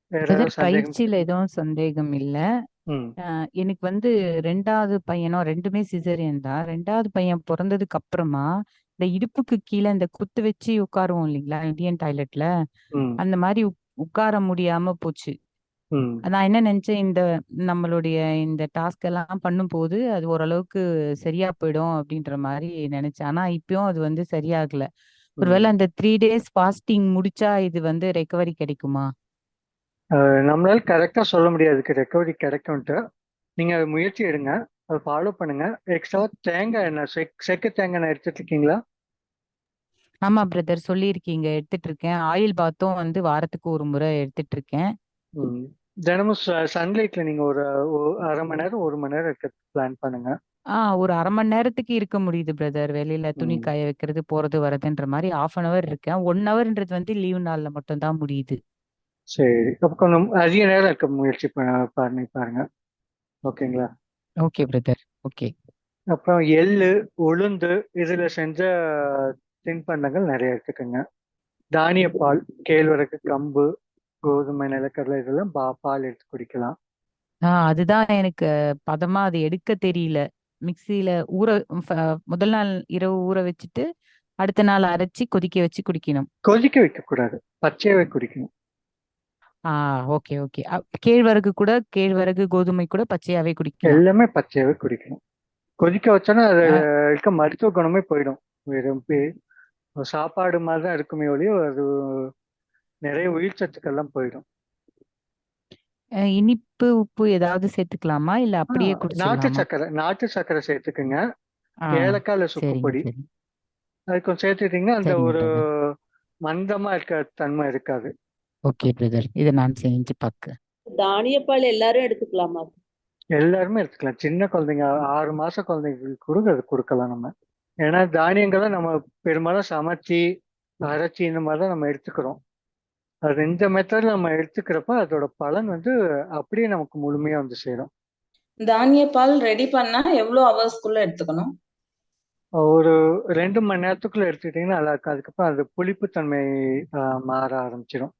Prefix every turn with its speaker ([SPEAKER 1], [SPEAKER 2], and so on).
[SPEAKER 1] வேற
[SPEAKER 2] பிரதர்,
[SPEAKER 1] ஏதாவது சந்தேகம்
[SPEAKER 2] பயிற்சியில
[SPEAKER 1] இருக்கு?
[SPEAKER 2] எதுவும் சந்தேகம் இல்ல.
[SPEAKER 1] ம்.
[SPEAKER 2] எனக்கு வந்து ரெண்டாவது பையனும் ரெண்டுமே சிசேரியன் தான். ரெண்டாவது பையன் பொறந்ததுக்கு அப்புறமா இந்த இடுப்புக்கு கீழே இந்த குத்து வச்சு உட்காருவோம் இல்லைங்களா இந்தியன் டாய்லெட்ல,
[SPEAKER 1] ம்.
[SPEAKER 2] அந்த மாதிரி உட்கார முடியாம போச்சு.
[SPEAKER 1] ம்.
[SPEAKER 2] நான் என்ன நினைச்சேன், நம்மளுடைய இந்த டாஸ்க் எல்லாம் பண்ணும்போது அது ஓரளவுக்கு சரியா போயிடும் அப்படின்ற மாதிரி நினைச்சேன். ஆனா இப்பயும் அது வந்து சரியாகல. ஒருவேளை
[SPEAKER 1] ம்.
[SPEAKER 2] அந்த 3 days ஃபாஸ்டிங் முடிச்சா இது வந்து ரெக்கவரி கிடைக்குமா?
[SPEAKER 1] நம்மளால கரெக்டா சொல்ல முடியாது இதுக்கு ரெக்கவரி கிடைக்கும்ட்டு. நீங்க அது முயற்சி எடுங்க. அதை ஃபாலோ பண்ணுங்க. எக்ஸ்ட்ரா தேங்காய் எண்ணெய் செக்கு தேங்காய் எண்ணெய் எடுத்துட்டு இருக்கீங்களா?
[SPEAKER 2] ஆமா பிரதர், சொல்லியிருக்கீங்க, எடுத்துட்டு இருக்கேன். ஆயில் பாத்தும் வந்து வாரத்துக்கு ஒரு முறை எடுத்துட்டு இருக்கேன்.
[SPEAKER 1] ம். தினமும் சன்லைட்ல நீங்க ஒரு அரை மணி நேரம் 1 மணி நேரம் இருக்க பிளான் பண்ணுங்க.
[SPEAKER 2] ஒரு அரை மணி நேரத்துக்கு இருக்க முடியுது பிரதர். வெளியில துணி
[SPEAKER 1] ம்.
[SPEAKER 2] காய வைக்கிறது போறது வர்றதுன்ற மாதிரி 1/2 hour இருக்கேன். 1 hourன்றது வந்து லீவ் நாள்ல மட்டும் தான் முடியுது.
[SPEAKER 1] சரி, அப்ப கொஞ்சம் அதிக நேரம் இருக்க முயற்சி பண்ணி பாருங்க. ஓகேங்களா?
[SPEAKER 2] Okay brother. ஓகே.
[SPEAKER 1] அப்புறம் எள்ளு, உளுந்து இதுல செஞ்ச தின்பண்டங்கள் நிறைய எடுத்துக்கோங்க. தானிய பால், கேழ்வரகு, கம்பு, கோதுமை, நிலக்கடலை இதெல்லாம் பால் எடுத்து குடிக்கலாம்.
[SPEAKER 2] அதுதான் எனக்கு பதமா அது எடுக்க தெரியல. மிக்சியில ஊற ஃப- முதல் நாள் இரவு ஊற வச்சுட்டு அடுத்த நாள் அரைச்சி கொதிக்க வச்சு குடிக்கணும்.
[SPEAKER 1] கொதிக்க வைக்க கூடாது, பச்சையாவே குடிக்கணும்.
[SPEAKER 2] ஆ ஓகே ஓகே. கேழ்வரகு கோதுமை கூட பச்சையாவே குடிக்கலாம்.
[SPEAKER 1] எல்லாமே பச்சையாவே குடிக்கணும். கொதிக்க வச்சோன்னா அது
[SPEAKER 2] ஆ,
[SPEAKER 1] இருக்க மருத்துவ குணமே போயிடும். வெறும் சாப்பாடு மாதிரி தான் இருக்குமே ஒழிய அது நிறைய உயிர் சத்துக்கள்லாம் போயிடும்.
[SPEAKER 2] இனிப்பு உப்பு ஏதாவது சேர்த்துக்கலாமா இல்ல
[SPEAKER 1] ஆ,
[SPEAKER 2] அப்படியே குடிச்சிடலாமா?
[SPEAKER 1] நாட்டு சர்க்கரை சேர்த்துக்குங்க.
[SPEAKER 2] ஆ
[SPEAKER 1] ஏலக்காய் இல்ல
[SPEAKER 2] சரிங்க
[SPEAKER 1] சுக்குப்பொடி
[SPEAKER 2] சரி.
[SPEAKER 1] அது கொஞ்சம் சேர்த்துட்டீங்கன்னா அந்த
[SPEAKER 2] சரிங்க
[SPEAKER 1] ஒரு
[SPEAKER 2] பிரதர்.
[SPEAKER 1] மந்தமா இருக்க தன்மை இருக்காது.
[SPEAKER 2] ஓகே பிரதர், இதை நான் செஞ்சு பார்க்க.
[SPEAKER 3] தானியப்பால் எல்லாரும் எடுத்துக்கலாமா?
[SPEAKER 1] எல்லாருமே எடுத்துக்கலாம். சின்ன குழந்தைங்க 6 மாச குழந்தைங்களுக்கு கூட அது கொடுக்கலாம் நம்ம. ஏன்னா தானியங்களை நம்ம பெரும்பாலும் சமைச்சு அரைச்சி இந்த மாதிரி தான் நம்ம எடுத்துக்கிறோம். அது இந்த மெத்தட்ல நம்ம எடுத்துக்கிறப்ப அதோட பலன் வந்து அப்படியே நமக்கு முழுமையா வந்து சேரும்.
[SPEAKER 3] தானியப்பால் ரெடி பண்ணா எவ்வளவு ஹவர்ஸ்க்குள்ள எடுத்துக்கணும்?
[SPEAKER 1] ஒரு 2 மணி நேரத்துக்குள்ள எடுத்துக்கிட்டீங்கன்னா நல்லா இருக்கும். அதுக்கப்புறம் அது புளிப்புத்தன்மை மாற ஆரம்பிச்சிடும்.